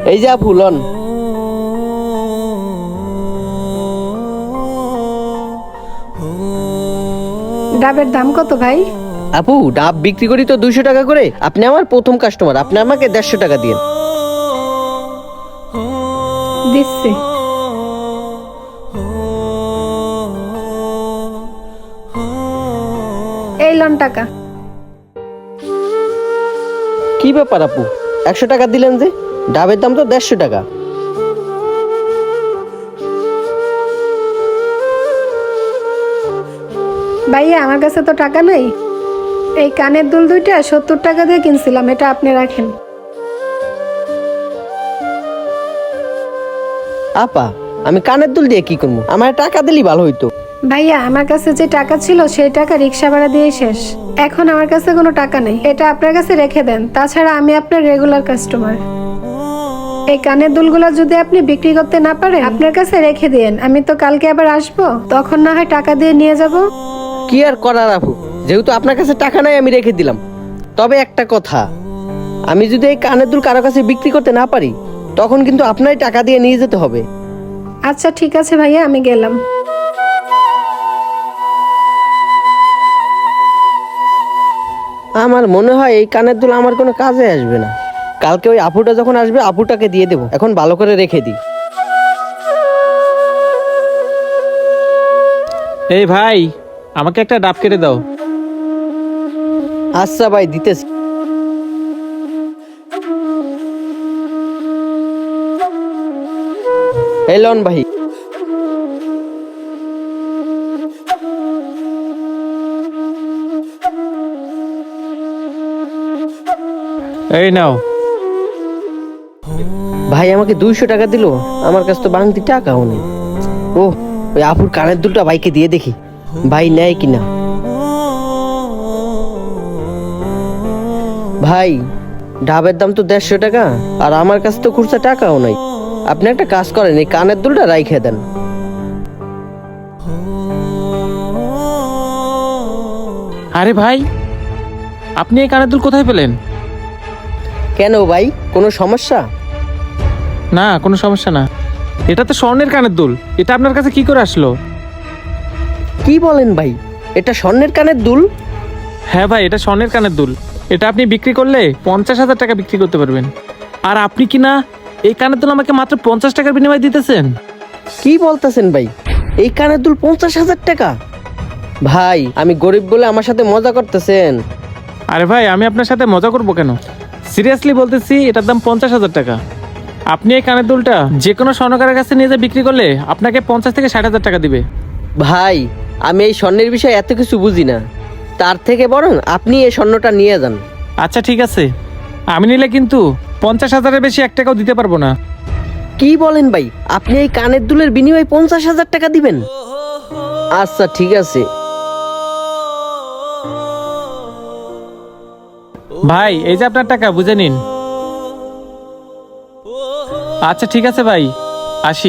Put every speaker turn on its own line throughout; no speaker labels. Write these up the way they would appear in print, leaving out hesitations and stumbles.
এই যে আপু লন।
ডাবের দাম কত ভাই?
আপু ডাব বিক্রি করি তো 200 টাকা করে। আপনি আমার প্রথম কাস্টমার, আপনি আমাকে 150 টাকা দিন।
দিচ্ছি। এই লন টাকা।
কি ব্যাপার আপু, 100 টাকা দিলেন যে? ডাবের দাম তো 150 টাকা।
ভাইয়া আমার কাছে তো টাকা নাই। এই কানের দুল দুইটা 70 টাকা দিয়ে কিনছিলাম, এটা আপনি রাখেন।
আপা আমি কানের দুল দিয়ে কি করবো? আমার টাকা দিলেই ভালো হইতো।
ভাইয়া আমার কাছে যে টাকা ছিল সেই টাকা রিক্সা ভাড়া দিয়ে শেষ। এখন আমার কাছে কোনো টাকা নেই, এটা আপনার কাছে রেখে দেন। তাছাড়া আমি আপনার রেগুলার কাস্টমার। এই কানের দুলগুলো যদি আপনি বিক্রি করতে না পারেন আপনার কাছে রেখে দিন, আমি তো কালকে আবার আসবো, তখন না হয় টাকা দিয়ে নিয়ে যাব।
কি আর করার আপু, যেহেতু আপনার কাছে টাকা নাই আমি রেখে দিলাম। তবে একটা কথা, আমি যদি এই কানের দুল কারো কাছে বিক্রি করতে না পারি তখন কিন্তু আপনারই টাকা দিয়ে নিয়ে যেতে হবে।
আচ্ছা ঠিক আছে ভাইয়া, আমি গেলাম।
আমার মনে হয় এই কানের দুল আমার কোনো কাজে আসবে না। কালকে ওই আপুটা যখন আসবে আপুটাকে দিয়ে দেবো, এখন ভালো করে রেখে দিই।
এই ভাই, আমাকে একটা ডাব কেটে দাও।
আচ্ছা ভাই দিতেছি। এই লন ভাই।
এই নাও।
ভাই আমাকে 200 টাকা দিলো, আমার কাছে তো বাংতি টাকাও নেই। ও ওই আপুর কানের দুলটা ভাইকে দিয়ে দেখি, ভাই নেয় কিনা। ভাই ডাবের দাম তো 150 টাকা, আর আমার কাছে তো খুচরা টাকাও নাই। আপনি একটা কাজ করেন, এই কানের দুলটা রাইখে দেন।
আরে ভাই, আপনি এই কানের দুল কোথায় পেলেন?
কেন ভাই, কোনো সমস্যা?
না, কোনো সমস্যা না। এটা তো স্বর্ণের কানের দুল, এটা আপনার কাছে কি করে আসলো?
কি বলেন ভাই, এটা স্বর্ণের কানের দুল?
হ্যাঁ ভাই, এটা স্বর্ণের কানের দুল। এটা আপনি বিক্রি করলে 50,000 টাকা বিক্রি করতে পারবেন। আর আপনি কি না এই কানের দুল আমাকে মাত্র 50 টাকার বিনিময়ে দিতেছেন?
কি বলতেছেন ভাই, এই কানের দুল 50,000 টাকা? ভাই আমি গরিব বলে আমার সাথে মজা করতেছেন?
আরে ভাই, আমি আপনার সাথে মজা করবো কেন? সিরিয়াসলি বলতেছি, এটার দাম 50,000 টাকা। আপনি এই কানের দুলটা যে কোনো স্বর্ণকারের কাছে নিয়ে যা বিক্রি করলে আপনাকে 50 থেকে 60,000 টাকা দিবে।
ভাই আমি এই স্বর্ণের বিষয়ে এত কিছু বুঝি না, তার থেকে বরং আপনি এই স্বর্ণটা নিয়ে যান।
আচ্ছা ঠিক আছে, আমি নিলে কিন্তু 50,000-এর বেশি 1 টাকাও দিতে পারবো না।
কি বলেন ভাই, আপনি এই কানের দুলের বিনিময়ে 50,000 টাকা দিবেন? আচ্ছা ঠিক আছে।
ভাই এই যে আপনার টাকা, বুঝে নিন। আচ্ছা ঠিক আছে ভাই, আসি।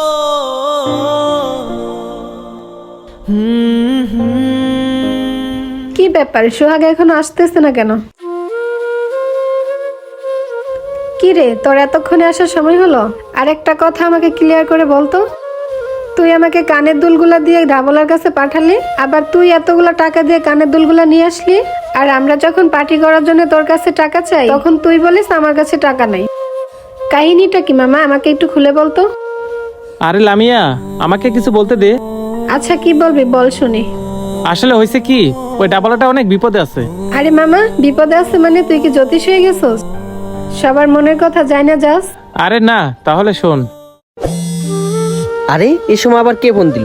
কি ব্যাপার, সোহাগ এখনো আসতেছে না কেন? কি রে, তোর এতক্ষণে আসার সময় হলো? আর একটা কথা আমাকে ক্লিয়ার করে বলতো, তুই আমাকে কানের দুলগুলা দিয়ে ডাবলার কাছে পাঠালি, আবার তুই এতগুলা টাকা দিয়ে কানের দুলগুলা নিয়ে আসলি, আর আমরা যখন পার্টি করার জন্য তোর কাছে টাকা চাই তখন তুই বলিস আমার কাছে টাকা নাই। কাহিনীটা কি মামা, আমাকে একটু খুলে বলতো।
আরে লামিয়া, আমাকে কিছু বলতে দে।
আচ্ছা কি বলবি বল শুনি।
আসলে হয়েছে কি, ওই ডাবলাটা অনেক বিপদে আছে।
আরে মামা, বিপদে আছে মানে তুই কি জ্যোতিষ হয়ে গেছস? সবার মনের কথা যাই না যাস?
আরে না, তাহলে শোন।
আরে এই সময় আবার কে ফোন দিল?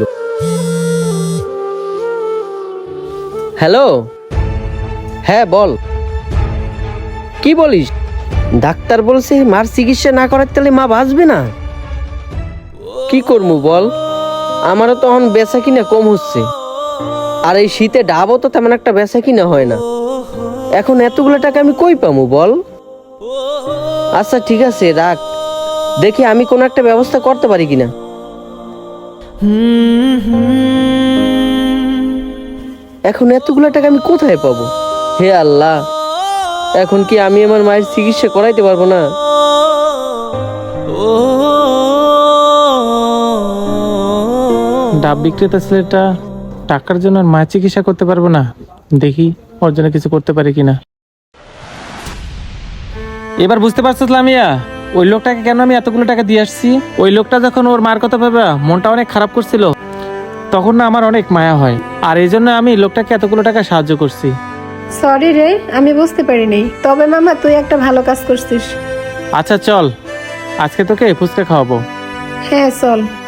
হ্যালো, হ্যাঁ বল। কি বলিস? ডাক্তার বলছে মার চিকিৎসা না করার তাহলে মা বাঁচবে না। কি করবো বল, আমারও তখন বেচা কিনা কম হচ্ছে, আর এই শীতে ডাবও তো তেমন একটা বেচা কিনা হয় না। এখন এতগুলো টাকা আমি কই পাবো বল? আচ্ছা ঠিক আছে রাখ, দেখি আমি কোনো একটা ব্যবস্থা করতে পারি কিনা। এখন এতগুলো টাকা আমি কোথায় পাবো? হে আল্লাহ, এখন কি আমি আমার মায়ের চিকিৎসা করাইতে পারবো না?
ডাব বিক্রেতা ছেলেটা টাকার জন্য আর মায়ের চিকিৎসা করতে পারবো না, দেখি ওর জন্য কিছু করতে পারি কিনা। এবার বুঝতে পারছো লামিয়া, ওই লোকটাকে কেন আমি এতগুলো টাকা দিয়ে আসছি? ওই লোকটা যখন ওর মার কথা ভেবে মনটা অনেক খারাপ করছিল, তখন না আমার অনেক মায়া হয়, আর এই জন্য আমি লোকটাকে এতগুলো টাকা সাহায্য করছি।
সরি রে, আমি বুঝতে পারিনি। তবে মামা তুই একটা ভালো কাজ করছিস।
আচ্ছা চল, আজকে তোকে ফুচকা খাওয়াবো।
হ্যাঁ চল।